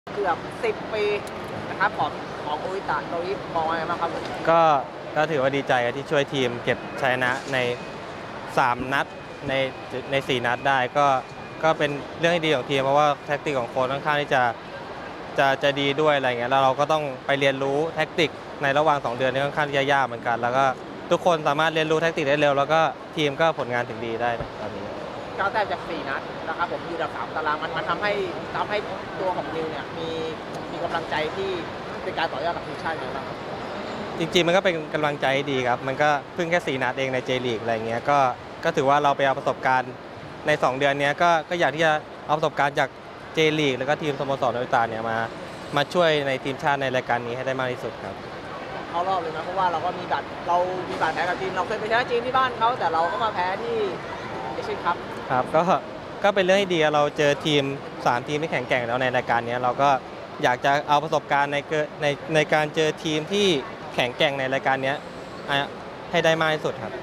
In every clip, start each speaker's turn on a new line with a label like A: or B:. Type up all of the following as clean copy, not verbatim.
A: เกือบ10 ปีนะครับของโออิตะโดยมองอะไรบ้างครับ
B: ก็ก็ถือว่าดีใจที่ช่วยทีมเก็บชัยชนะใน3นัดใน4นัดได้ก็เป็นเรื่องที่ดีของทีมเพราะว่าแท็กติกของโค้ชค่อนข้างที่จะดีด้วยอะไรเงี้ยแล้วเราก็ต้องไปเรียนรู้แท็กติกในระหว่าง2 เดือนนี้ค่อนข้างที่จะยากเหมือนกันแล้วก็ทุกคนสามารถเรียนรู้แท็กติกได้เร็วแล้วก็ทีมก็ผลงานถึงดีได้ตอนนี้
A: 9 แต้มจาก4 นัดนะครับผมอยู่อันดับ3 ตารางมันทำให้ตัวของนิวเนี่ยมีกำลังใจที่เป็นการต่อยอดกับทีมชาติอย่างไรบ้างครับ
B: จริงๆมันก็เป็นกำลังใจดีครับมันก็เพิ่งแค่4 นัดเองในเจลีกอะไรเงี้ยก็ถือว่าเราไปเอาประสบการณ์ใน2 เดือนนี้ก็อยากที่จะเอาประสบการณ์จากเจลีกแล้วก็ทีมสโมสรโออิตาเนี่ยมาช่วยในทีมชาติในรายการนี้ให้ได้มากที่สุดครับ
A: เข้ารอบเลยนะเพราะว่าเรามีบาดแผลกับจีนเราเคยไปชนะจีนที่บ้านเขาแต่เราก็มาแพ้ที่เอเชียนคัพ
B: ครับก็เป็นเรื่องที่ดีเราเจอทีม3 ทีมที่แข็งแกร่งแล้วในรายการนี้เราก็อยากจะเอาประสบการณ์ในการเจอทีมที่แข็งแกร่งในรายการนี้ให้ได้มากที่สุดครับ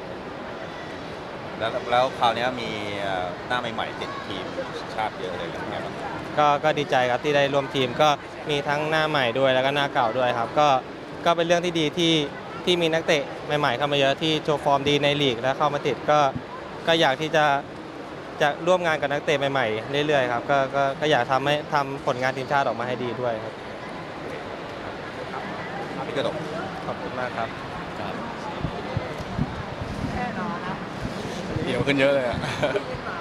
C: แล้วคราวนี้มีหน้าใหม่ๆติดทีมชาติเยอะเลยเป็นไงบ้าง
B: ก็ดีใจครับที่ได้ร่วมทีมก็มีทั้งหน้าใหม่ด้วยแล้วก็หน้าเก่าด้วยครับก็เป็นเรื่องที่ดีที่มีนักเตะใหม่ๆเข้ามาเยอะที่โชว์ฟอร์มดีในลีกและเข้ามาติดก็อยากที่จะร่วมงานกับนักเตะใหม่ๆเรื่อยๆครับก็อยากทำผลงานทีมชาติออกมาให้ดีด้วยครับ
C: พี่กระดก
B: ขอบคุณมากครับ
A: แน่นอนนะ
C: เดี๋ยวขึ้นเยอะเลยอ่ะ